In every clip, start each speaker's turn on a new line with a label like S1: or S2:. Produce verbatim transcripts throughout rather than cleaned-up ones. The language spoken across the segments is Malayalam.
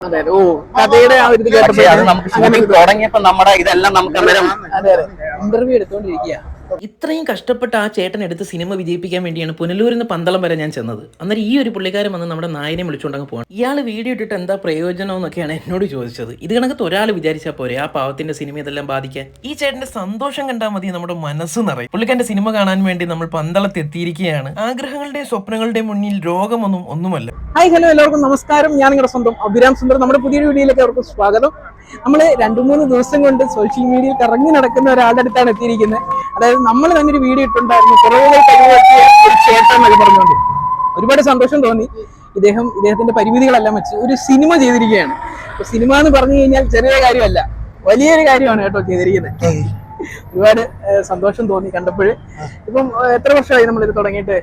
S1: അതെ ഓ കഥയുടെ ആ ഒരു ഇത് കേട്ടപ്പോൾ
S2: നമുക്ക് തുടങ്ങിയപ്പോ നമ്മുടെ ഇതെല്ലാം നമുക്ക് അന്നേരം
S1: അതെ അതെ ഇന്റർവ്യൂ എടുത്തോണ്ടിരിക്കുക.
S3: ഇത്രയും കഷ്ടപ്പെട്ട് ആ ചേട്ടൻ എടുത്ത് സിനിമ വിജയിപ്പിക്കാൻ വേണ്ടിയാണ് പുനലൂരിൽ നിന്ന് പന്തളം വരെ ഞാൻ ചെന്നത്. അന്നേരം ഈ ഒരു പുള്ളിക്കാരൻ വന്ന് നമ്മുടെ നായനെ വിളിച്ചുകൊണ്ടങ്ങ് പോകണം. ഇയാൾ വീഡിയോ ഇട്ടിട്ട് എന്താ പ്രയോജനം എന്നൊക്കെയാണ് എന്നോട് ചോദിച്ചത്. ഇത് കണക്കത്ത് ഒരാൾ വിചാരിച്ചാൽ പോരെ ആ പാവത്തിന്റെ സിനിമ ഇതെല്ലാം ബാധിക്കാൻ. ഈ ചേട്ടന്റെ സന്തോഷം കണ്ടാൽ മതി നമ്മുടെ മനസ്സ് നിറയും. പുള്ളിക്കാരന്റെ സിനിമ കാണാൻ വേണ്ടി നമ്മൾ പന്തളത്ത് എത്തിയിരിക്കുകയാണ്. ആഗ്രഹങ്ങളുടെയും സ്വപ്നങ്ങളുടെയും മുന്നിൽ രോഗമൊന്നും ഒന്നുമല്ല.
S1: ഹായ് ഹലോ എല്ലാവർക്കും നമസ്കാരം. ഞാൻ നിങ്ങളുടെ സ്വന്തം അഭിരാം സുന്ദർ. നമ്മുടെ പുതിയൊരു വീഡിയോയിലേക്ക് അവർക്ക് സ്വാഗതം. നമ്മൾ രണ്ടു മൂന്ന് ദിവസം കൊണ്ട് സോഷ്യൽ മീഡിയയിൽ കറങ്ങി നടക്കുന്ന ഒരാളുടെ അടുത്താണ് എത്തിയിരിക്കുന്നത്. അതായത് നമ്മൾ തന്നെ ഒരു വീഡിയോ ഇട്ടുണ്ടായിരുന്നു കുറവുകൾ കഴിവെത്തിയ ഒരു ചേട്ടൻ എന്നൊക്കെ പറഞ്ഞുകൊണ്ട് ഒരുപാട് സന്തോഷം തോന്നി. ഇദ്ദേഹം ഇദ്ദേഹത്തിന്റെ പരിമിതികളെല്ലാം വെച്ച് ഒരു സിനിമ ചെയ്തിരിക്കുകയാണ്. അപ്പൊ സിനിമ എന്ന് പറഞ്ഞു കഴിഞ്ഞാൽ ചെറിയ കാര്യമല്ല, വലിയൊരു കാര്യമാണ് കേട്ടോ ചെയ്തിരിക്കുന്നത്. ഒരുപാട് സന്തോഷം തോന്നി കണ്ടപ്പോൾ. ഇപ്പം എത്ര വർഷമായി നമ്മളിത് തുടങ്ങിയിട്ട്?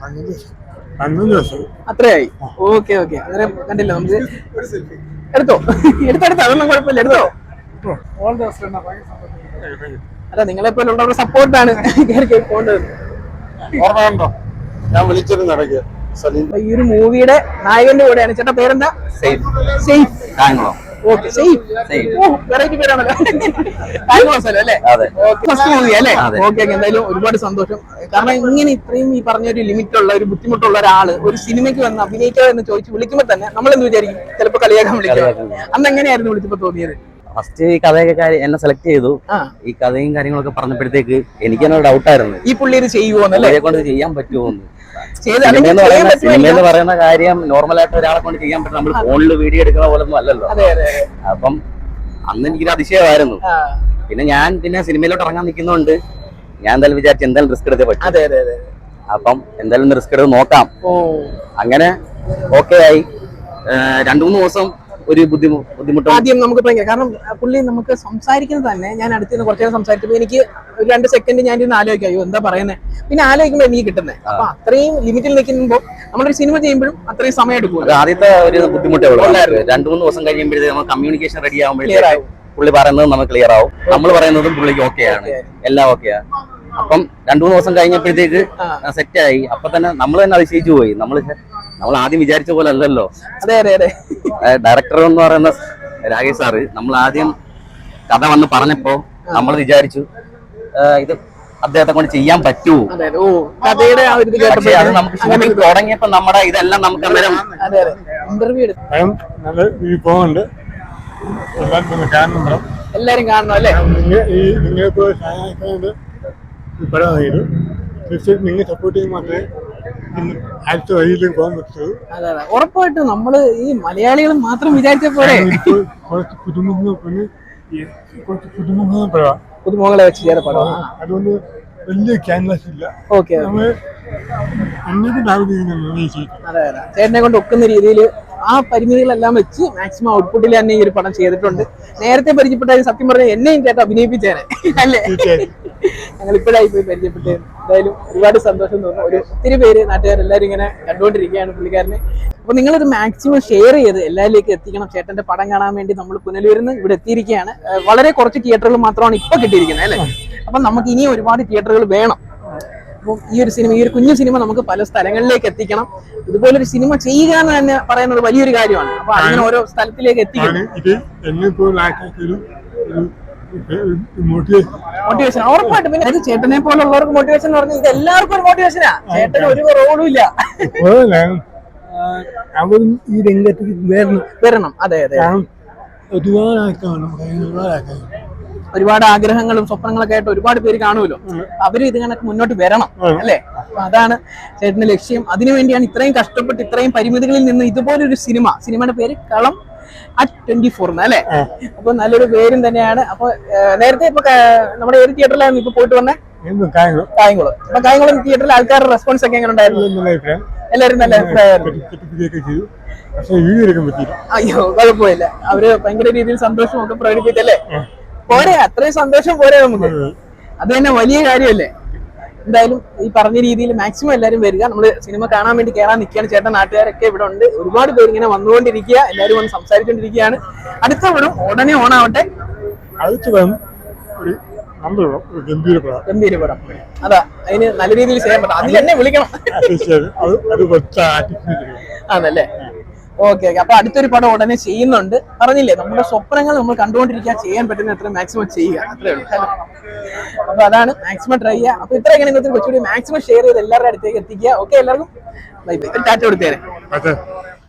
S1: അത്രയായി. Okay okay. അന്നേരം കണ്ടില്ല നമുക്ക് എടുത്തോ എടുത്തെടുത്തോ അതൊന്നും കുഴപ്പമില്ല, എടുത്തോ. അല്ല നിങ്ങളെപ്പോലുള്ളവരുടെ സപ്പോർട്ടാണ് കയറി പോകേണ്ടത്. ഈ ഒരു മൂവിയുടെ നായകന്റെ കൂടെയാണ്. ചേട്ടാ പേരെന്താ? ഓക്കെ വെറൈറ്റി പേരാണല്ലോ. അല്ലേ ഫസ്റ്റ് മൂവി അല്ലേ? Okay okay. എന്തായാലും ഒരുപാട് സന്തോഷം. കാരണം ഇങ്ങനെ ഇത്രയും ഈ പറഞ്ഞൊരു ലിമിറ്റ് ഉള്ള ഒരു ബുദ്ധിമുട്ടുള്ള ഒരാള് ഒരു സിനിമയ്ക്ക് വന്ന് അഭിനയിക്കുക എന്ന് ചോദിച്ച് വിളിക്കുമ്പോ തന്നെ നമ്മൾ എന്ത് വിചാരിക്കും? ചിലപ്പോ കളിയാക്കാൻ വിളിക്കാം. അന്ന് എങ്ങനെയായിരുന്നു വിളിച്ചപ്പോ തോന്നിയത്?
S2: ഫസ്റ്റ് ഈ കഥയൊക്കെ എന്നെ സെലക്ട് ചെയ്തു. ഈ കഥയും കാര്യങ്ങളൊക്കെ പറഞ്ഞപ്പോഴത്തേക്ക് എനിക്ക് തന്നെ ഡൗട്ടായിരുന്നു, ഈ
S1: പുള്ളി ഇത് ചെയ്യുമോന്നല്ലേ,
S2: കൊണ്ട് ചെയ്യാൻ പറ്റുമോന്ന്. സിനിമ എന്ന് പറയുന്ന കാര്യം നോർമലായിട്ട് ഒരാളെ കൊണ്ട് ചെയ്യാൻ പറ്റും. നമ്മൾ ഫോണിൽ വീഡിയോ എടുക്കുന്ന പോലെ ഒന്നും അല്ലല്ലോ. അപ്പം അന്ന് എനിക്കൊരു അതിശയമായിരുന്നു. പിന്നെ ഞാൻ പിന്നെ സിനിമയിലോട്ട് ഇറങ്ങാൻ നിൽക്കുന്നതുകൊണ്ട് ഞാൻ എന്തായാലും വിചാരിച്ചു എന്തായാലും റിസ്ക് എടുത്തേ പറ്റും. അപ്പം എന്തായാലും റിസ്ക് എടുത്ത് നോക്കാം. അങ്ങനെ ഓക്കെ ആയി. രണ്ടു മൂന്ന് ദിവസം ഒരു ബുദ്ധിമുട്ട്
S1: ആദ്യം നമുക്ക് ഭയങ്കര, കാരണം പുള്ളി നമുക്ക് സംസാരിക്കുന്നത് തന്നെ ഞാൻ അടുത്ത് നിന്ന് കുറച്ചു നേരം സംസാരിച്ചപ്പോൾ എനിക്ക് ഒരു രണ്ട് സെക്കൻഡ് ഞാൻ ഇരുന്ന് ആലോചിക്കാം, അയ്യോ എന്താ പറയുന്നത്. പിന്നെ ആലോചിക്കുമ്പോൾ എനിക്ക് കിട്ടുന്നത്. അപ്പൊ അത്രയും ലിമിറ്റിൽ നിൽക്കുമ്പോൾ നമ്മളൊരു സിനിമ ചെയ്യുമ്പോഴും അത്രയും സമയം എടുക്കും.
S2: ആദ്യത്തെ ഒരു ബുദ്ധിമുട്ടേ ഉള്ളൂ. രണ്ടു മൂന്ന് ദിവസം കഴിയുമ്പോഴത്തേക്ക് നമ്മൾ കമ്മ്യൂണിക്കേഷൻ റെഡി ആകുമ്പോഴേക്കും പുള്ളി പറയുന്നത് നമുക്ക് ക്ലിയർ ആവും, നമ്മൾ പറയുന്നതും പുള്ളിക്ക് ഓക്കെയാണ്, എല്ലാം ഓക്കെയാണ്. അപ്പം രണ്ടു മൂന്ന് ദിവസം കഴിഞ്ഞപ്പോഴത്തേക്ക് സെറ്റ് ആയി. അപ്പൊ തന്നെ നമ്മൾ തന്നെ അതിശയിച്ചു പോയി. നമ്മൾ നമ്മൾ ആദ്യം വിചാരിച്ച പോലെ അല്ലല്ലോ.
S1: അതെ അതെ അതെ.
S2: ഡയറക്ടർ എന്ന് പറയുന്ന രാകേഷ് സാറ് നമ്മൾ ആദ്യം കഥ വന്ന് പറഞ്ഞപ്പോ നമ്മൾ വിചാരിച്ചു ഇത് അദ്ദേഹത്തെ കൊണ്ട് ചെയ്യാൻ പറ്റുമോ. അത് നമുക്ക് ഷൂട്ടിംഗ് തുടങ്ങിയപ്പോ നമ്മുടെ ഇതെല്ലാം നമുക്ക് അന്നേരം
S1: ഇന്റർവ്യൂ
S4: പോകുന്നുണ്ട്.
S1: എല്ലാരും കാണണം അല്ലേ?
S4: നിങ്ങൾക്ക് നിങ്ങൾ സപ്പോർട്ട് ചെയ്യാൻ മാത്രമേ അടുത്ത വഴിയിലേക്ക് പോകാൻ പറ്റുള്ളൂ.
S1: അതെ അതെ ഉറപ്പായിട്ടും. നമ്മള് ഈ മലയാളികൾ മാത്രം വിചാരിച്ച പോലെ
S4: കുറച്ച് പുതുമുഖ കുറച്ച് പുതുമുഖ പടം
S1: പുതുമുഖങ്ങളെ വെച്ച് ചെയ്ത പടം.
S4: അതുകൊണ്ട് വലിയ ക്യാൻവാസ് ഇല്ല.
S1: ഓക്കെ.
S4: നമ്മള്
S1: അതെ അതെ ചേട്ടനെ കൊണ്ട് ഒക്കുന്ന രീതിയിൽ ആ പരിമിതികളെല്ലാം വെച്ച് മാക്സിമം ഔട്ട്പുട്ടിൽ തന്നെ ഈ ഒരു പടം ചെയ്തിട്ടുണ്ട്. നേരത്തെ പരിചയപ്പെട്ടാലും സത്യം പറഞ്ഞാൽ എന്നെയും ചേട്ടൻ അഭിനയിപ്പിച്ചേനെ അല്ലേ? ഞങ്ങൾ ഇപ്പോഴായി പോയി പരിചയപ്പെട്ടേ. എന്തായാലും ഒരുപാട് സന്തോഷം തോന്നുന്നു. ഒരു ഒത്തിരി പേര് നാട്ടുകാരെല്ലാവരും ഇങ്ങനെ കണ്ടുകൊണ്ടിരിക്കുകയാണ് പുള്ളിക്കാരനെ. അപ്പൊ നിങ്ങളിത് മാക്സിമം ഷെയർ ചെയ്ത് എല്ലാവരിലേക്ക് എത്തിക്കണം. ചേട്ടന്റെ പടം കാണാൻ വേണ്ടി നമ്മൾ പുനലൂരിൽ നിന്ന് ഇവിടെ എത്തിയിരിക്കുകയാണ്. വളരെ കുറച്ച് തിയേറ്ററുകൾ മാത്രമാണ് ഇപ്പൊ കിട്ടിയിരിക്കുന്നത് അല്ലേ? അപ്പൊ നമുക്ക് ഇനിയും ഒരുപാട് തിയേറ്ററുകൾ വേണം. അപ്പം ഈ ഒരു സിനിമ, ഈ ഒരു കുഞ്ഞു സിനിമ നമുക്ക് പല സ്ഥലങ്ങളിലേക്ക് എത്തിക്കണം. ഇതുപോലൊരു സിനിമ ചെയ്യുക എന്ന് തന്നെ പറയുന്നത് വലിയൊരു കാര്യമാണ്. അപ്പൊ അങ്ങനെ ഓരോ സ്ഥലത്തിലേക്ക് എത്തിക്കണം. മോട്ടിവേഷൻ ഉറപ്പായിട്ട്. പിന്നെ അത് ചേട്ടനെ പോലുള്ളവർക്ക് മോട്ടിവേഷൻ എന്ന് പറഞ്ഞാൽ ഇത് എല്ലാവർക്കും ഒരു മോട്ടിവേഷനാ. ചേട്ടന് ഒരു റോളും ഇല്ല.
S4: അവരും ഈ രംഗത്തേക്ക് വരണം
S1: വരണം അതെ അതെ.
S4: ഒരുപാട് ആൾക്കാരാണ്, ഒരുപാട് ആൾക്കാർ
S1: ഒരുപാട് ആഗ്രഹങ്ങളും സ്വപ്നങ്ങളൊക്കെ ആയിട്ട് ഒരുപാട് പേര് കാണുമല്ലോ. അവര് ഇത് കണക്ക് മുന്നോട്ട് വരണം അല്ലേ? അപ്പൊ അതാണ് ചേട്ടന്റെ ലക്ഷ്യം. അതിനുവേണ്ടിയാണ് ഇത്രയും കഷ്ടപ്പെട്ട് ഇത്രയും പരിമിതികളിൽ നിന്ന് ഇതുപോലൊരു സിനിമ, സിനിമയുടെ പേര് കളം അറ്റ് ട്വന്റി ഫോർ അല്ലേ? അപ്പൊ നല്ലൊരു പേരും തന്നെയാണ്. അപ്പൊ നേരത്തെ ഇപ്പൊ നമ്മുടെ ഏത് തിയേറ്ററിലായിരുന്നു ഇപ്പൊ പോയിട്ട് വന്നേ? കായംകുളം. അപ്പൊ കായംകുളം തിയേറ്ററിൽ ആൾക്കാരുടെ റെസ്പോൺസ് ഒക്കെ എങ്ങനെ ഉണ്ടായിരുന്നു? എല്ലാവരും നല്ല അഭിപ്രായമായിരുന്നു. അയ്യോ കുഴപ്പമില്ല. അവര് ഭയങ്കര രീതിയിൽ സന്തോഷമൊക്കെ പ്രകടിപ്പിച്ചല്ലേ? പോരെ, അത്രയും സന്തോഷം പോരെ നമുക്ക്. അത് തന്നെ വലിയ കാര്യമല്ലേ? എന്തായാലും ഈ പറഞ്ഞ രീതിയിൽ മാക്സിമം എല്ലാവരും വരിക. നമ്മള് സിനിമ കാണാൻ വേണ്ടി കയറാൻ നിൽക്കുകയാണ്. ചേട്ടൻ നാട്ടുകാരൊക്കെ ഇവിടെ ഉണ്ട്. ഒരുപാട് പേര് ഇങ്ങനെ വന്നുകൊണ്ടിരിക്കുക. എല്ലാവരും വന്ന് സംസാരിച്ചുകൊണ്ടിരിക്കുകയാണ്. അടുത്ത പടം ഉടനെ ഓണാവട്ടെ. ഗംഭീര പടം. അതാ അതിന് നല്ല രീതിയിൽ ചെയ്യാൻ പറ്റും. അതിൽ എന്നെ വിളിക്കണം. ആണല്ലേ? ഓക്കെ ഓക്കെ അപ്പൊ അടുത്തൊരു പടം ഉടനെ ചെയ്യുന്നുണ്ട്. പറഞ്ഞില്ലേ നമ്മുടെ സ്വപ്നങ്ങൾ നമ്മൾ കണ്ടുകൊണ്ടിരിക്കുക, ചെയ്യാൻ പറ്റുന്ന എത്ര മാക്സിമം ചെയ്യുക, അത്രേ ഉള്ളൂ. അപ്പൊ അതാണ് മാക്സിമം ട്രൈ ചെയ്യുക. അപ്പൊ ഇത്രയൊക്കെ ഇന്നത്തെ കൊച്ചുകൂടി മാക്സിമം ഷെയർ ചെയ്ത് എല്ലാവരുടെ അടുത്തേക്ക് എത്തിക്കുക. ഓക്കെ എല്ലാവർക്കും ബൈ ബൈ, ടാറ്റ കൊടുത്തേരെ.